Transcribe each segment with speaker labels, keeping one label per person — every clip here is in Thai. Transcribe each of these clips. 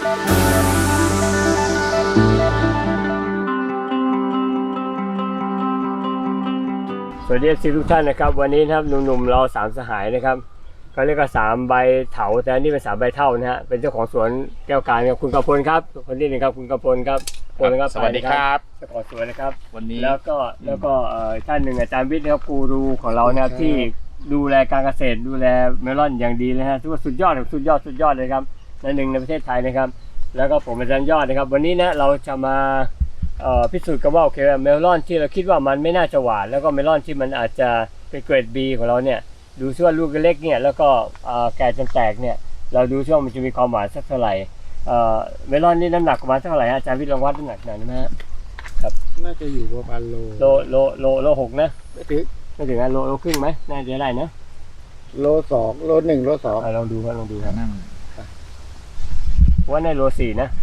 Speaker 1: สวัสดีทุกท่านนะครับวันนี้นะครับหนุ่มๆเรา3สหายนะครับเขาเรียกว่า3ใบเถาแต่นี่เป็น3ใบเท่านะฮะเป็นเจ้าของสวนแก้วการครับคุณกพลครับคนที่หนึ่งครับคุณกพลครับ
Speaker 2: สวัสดีครับ
Speaker 1: เจ้าของสวนนะครับ
Speaker 2: วันนี้
Speaker 1: แล้วก็ท่านหนึ่งอาจารย์วิทย์นะครับกูรูของเรานะครับที่ดูแลการเกษตรดูแลเมลอนอย่างดีเลยฮะถือว่าสุดยอดเลยครับหนึ่งในประเทศไทยนะครับแล้วก็ผมอาจารย์ยอดนะครับวันนี้นะเราจะมาพิสูจน์กันว่าโอเคเมลอนที่เราคิดว่ามันไม่น่าจะหวานแล้วก็เมลอนที่มันอาจจะเป็นเกรด B ของเราเนี่ยดูซิว่าลูกเล็กเนี่ยแล้วก็แก่จนแตกเนี่ยเราดูซิว่ามันจะมีความหวานสักเท่าไหร่เมลอนนี่น้ำหนักประมาณเท่าไหร่อาจารย์วิทย์ลองวัดน้ำหนักหน่อยนะฮะ
Speaker 3: ครับน่าจะอยู่ประมาณ
Speaker 1: โล6นะไม่ถึงนะโลครึ่งไหมน่าจะได้นะ
Speaker 3: โล2โล1โล2
Speaker 1: ลองดูครับนั่งว่าในโล4นะ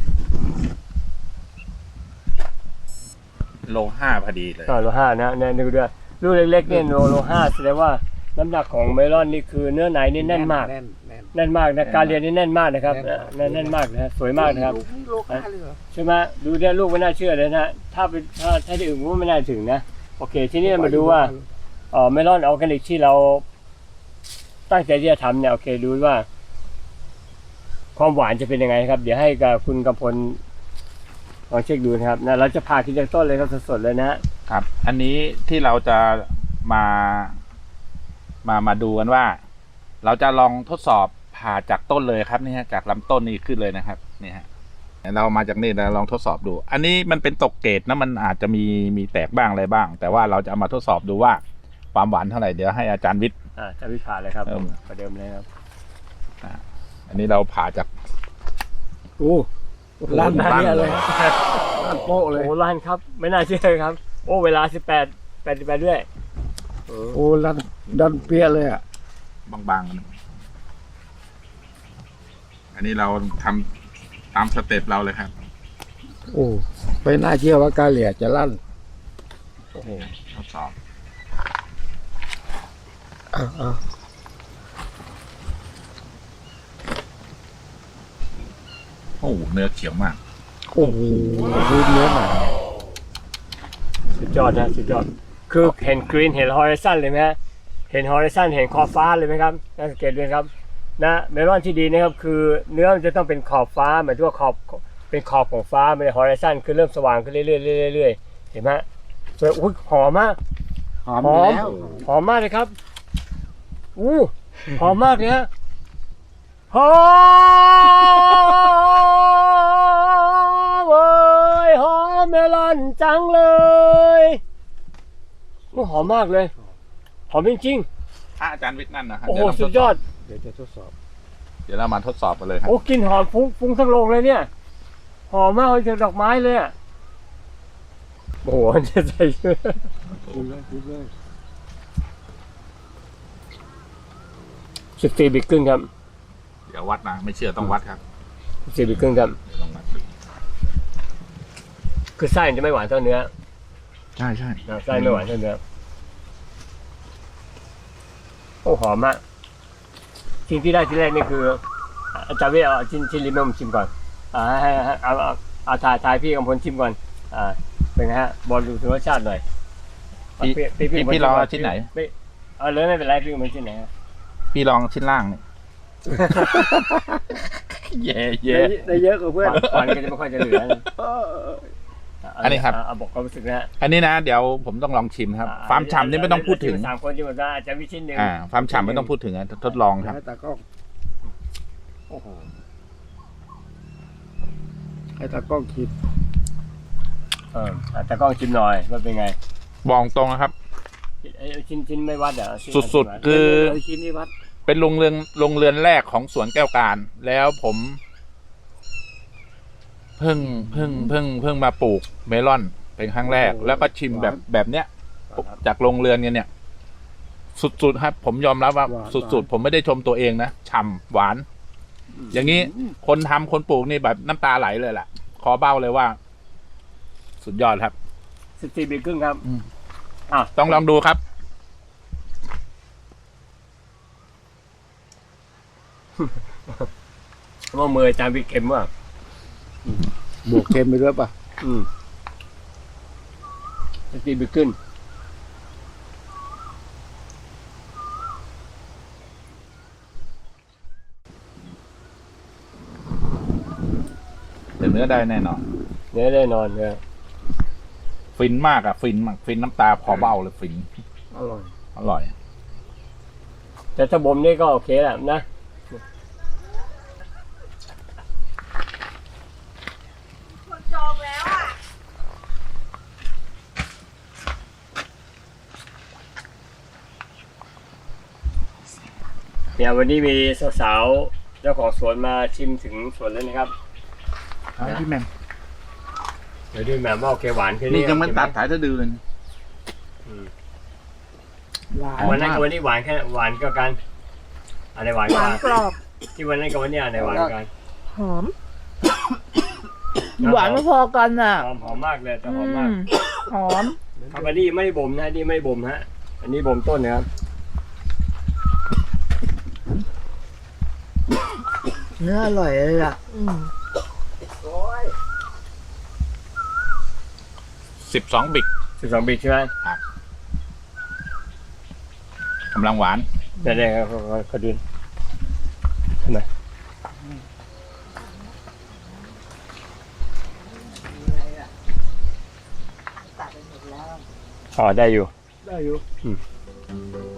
Speaker 2: โล5พอดีเลย
Speaker 1: โล5นะเนี่ยดูด้วยลูกเล็กๆเนี่ยโล5แสดงว่าน้ำหนักของเมลอนนี่คือเนื้อในนี่แน่นมากแน่นมากนะการเรียนนี่แน่นมากนะครับแน่นมากนะสวยมากนะครับใช่ไหมดูเนี่ยลูกไม่น่าเชื่อเลยนะถ้าที่อื่นก็ไม่น่าถึงนะโอเคทีนี้มาดูว่าเมลอนออร์แกนิกที่เราตั้งใจที่จะทำเนี่ยโอเคดูว่าความหวานจะเป็นยังไงครับเดี๋ยวให้กับคุณกำพลลองเช็คดูนะครับนะเราจะผ่าทีละต้นเลยครับสดๆเลยนะครับ
Speaker 2: อันนี้ที่เราจะมาดูกันว่าเราจะลองทดสอบผ่าจากต้นเลยครับนี่ฮะจากลำต้นนี้ขึ้นเลยนะครับนี่ฮะเรามาจากนี่นะลองทดสอบดูอันนี้มันเป็นตกเกรดนะมันอาจจะมีแตกบ้างอะไรบ้างแต่ว่าเราจะเอามาทดสอบดูว่าความหวานเท่าไหร่เดี๋ยวให้อาจารย์วิทย์
Speaker 1: อาจารย์วิทย์ผ่าเลยครับประเดิมเลยครับ
Speaker 2: อันนี้เราผ่าจาก
Speaker 3: ล้านเลยล้านโป๊ะเลย
Speaker 1: ล้านครับไม่น่าเชื่อครับเวลา18ด้วย
Speaker 3: ดันเปี้ยเลยอ่ะ
Speaker 2: บางๆอันนี้เราทำตามสเต็ปเราเลยครับ
Speaker 3: ไม่น่าเชื่อว่ากาเหลี่ยจะลั่น
Speaker 2: ทดสอบเนื้อเขียวมาก
Speaker 3: เนื้อหนา
Speaker 1: สุดยอดนะสุดยอดคือเห็นกรีนเห็นฮอริซอนเลยไหมฮะเห็นฮอริซอนเห็นขอบฟ้าเลยไหมครับน่าสังเกตด้วยครับนะเมลอนที่ดีนะครับคือเนื้อมันจะต้องเป็นขอบฟ้าหมายถึงว่าเป็นขอบของฟ้าไม่ได้ฮอริซอนคือเริ่มสว่างขึ้นเรื่อยๆเห็นไหมสวยหอมมากหอมมากเลยครับหอมมากเลยฮะหอมหอมเมลอนจังเลยหอมมากเลยหอมจริง
Speaker 2: ๆอาจารย์วิทย์นั่นนะครับ
Speaker 1: สุดยอด
Speaker 3: เดี๋ยวจะทดสอบ
Speaker 2: เดี๋ยวเรามาทดสอบกันเลยครับ
Speaker 1: กลิ่นหอมฟุ้งทั้งโรงเลยเนี่ยหอมมากเลยจากดอกไม้เลยจะใส่
Speaker 3: พูดเลย
Speaker 1: 14 บิกครึ่งครับ
Speaker 2: เดี๋ยววัดนะไม่เชื่อต้องวัดครับ
Speaker 1: 14 บิกครึ่งครับคือไส้จะไม่หวานเท่าเนื้อ
Speaker 2: ใช่
Speaker 1: ไส้ไม่หวานเท่าเนื้อหอมมากสิ่งที่ได้ที่แรกนี่คืออาจารย์วิทย์เอาชิ้นลิ้นผมชิมก่อนให้เอาถ่ายพี่กำพลชิมก่อนเป็นไงฮะบอลดูถึงรสชาติหน่อย
Speaker 2: พี่ลองชิ้นไหน
Speaker 1: เลยไม่เป็นไรพี่กำพลชิ้นไหน
Speaker 2: พี่ลองชิ้นล่างนี่เย่
Speaker 1: ได้เยอะกว่าเพื่อนก่อนก็จะไม่ค่อยจะเหลือ
Speaker 2: อันนี้ครับ
Speaker 1: บอกความรู้สึกนะ
Speaker 2: อันนี้นะเดี๋ยวผมต้องลองชิมครับฟาร์มฉ่ำนี่ไม่ต้องพูดถึง
Speaker 1: 3 คนชิมได้จะมีชิ้นหนึ่ง
Speaker 2: ฟาร์มฉ่ำไม่ต้องพูดถึงทดลองครับ
Speaker 3: ให้ตากล้องชิม
Speaker 1: ตากล้องชิมหน่อยว่าเป็นไง
Speaker 2: บอกตรงนะครับ
Speaker 1: ชิ้นไม่วัด
Speaker 2: สุดๆคือ
Speaker 3: ชิ้นนี้วัด
Speaker 2: เป็นโรงเรือนแรกของสวนแก้วการแล้วผมเพิ่งมาปลูกเมลอนเป็นครั้งแรกแล้วก็ชิมแบบเนี้ยจากโรงเรือนเนี่ยสุดๆครับผมยอมรับว่าสุดๆผมไม่ได้ชมตัวเองนะฉ่ำหวานอย่างนี้คนปลูกนี่แบบน้ำตาไหลเลยแหละคอเบ้าเลยว่าสุดยอดครับ
Speaker 1: 14 บิกครึ่งครับ
Speaker 2: ต้องลองดูครับ
Speaker 1: ว่ามืออาจารย์วิทย์เค็มว่ะ
Speaker 3: บวกเค็มไปด้วยป่ะ
Speaker 1: จะตีไปขึ้น
Speaker 2: แต่เนื้อได้แน่นอน
Speaker 1: เนื้อแน่นอนเนี่ย
Speaker 2: ฟินมากอะฟินมากฟินน้ำตาพอเบ้าเลยฟิน
Speaker 3: อร่อย
Speaker 2: อร่อย
Speaker 1: แต่ถ้าบ่มนี่ก็โอเคแหละนะเนี่ยวันนี้มีสาวๆเจ้าของสวนมาชิมถึงสวนแล้วนะครับ
Speaker 2: พี่แมม
Speaker 1: เดี๋ยวดูแหม่มว่าโอเคหวานแค่
Speaker 2: นี่
Speaker 1: นี้
Speaker 2: ยังไม่ตัดถ่ายจะดือเลย
Speaker 1: วันนั้นกับวันนี้หวานแค่หวานก็กันอะไรหวาน
Speaker 4: ห
Speaker 1: ก
Speaker 4: วาน
Speaker 1: ว่าก
Speaker 4: รอบ
Speaker 1: ที่วันนั้นกับวันนี้อะไรหวานกัน
Speaker 4: หอม หวานไม่พอกันอ่ะ
Speaker 1: หอมมากเลยแต่หอมมาก
Speaker 4: หอม
Speaker 1: ครับอันนี้ไม่ได้บ่มนะนี่ไม่ได้บ่มฮะอันนี้บ่มต้นนะครับ
Speaker 4: เนื้ออร่อยเลยอ่ะ
Speaker 2: 12 บิก
Speaker 1: 12 บิกใช่ไหม
Speaker 2: กำลังหวาน
Speaker 1: ได้ครับเขาดูทำไมอ๋อได้อยู่
Speaker 3: ได้อยู่
Speaker 1: อืม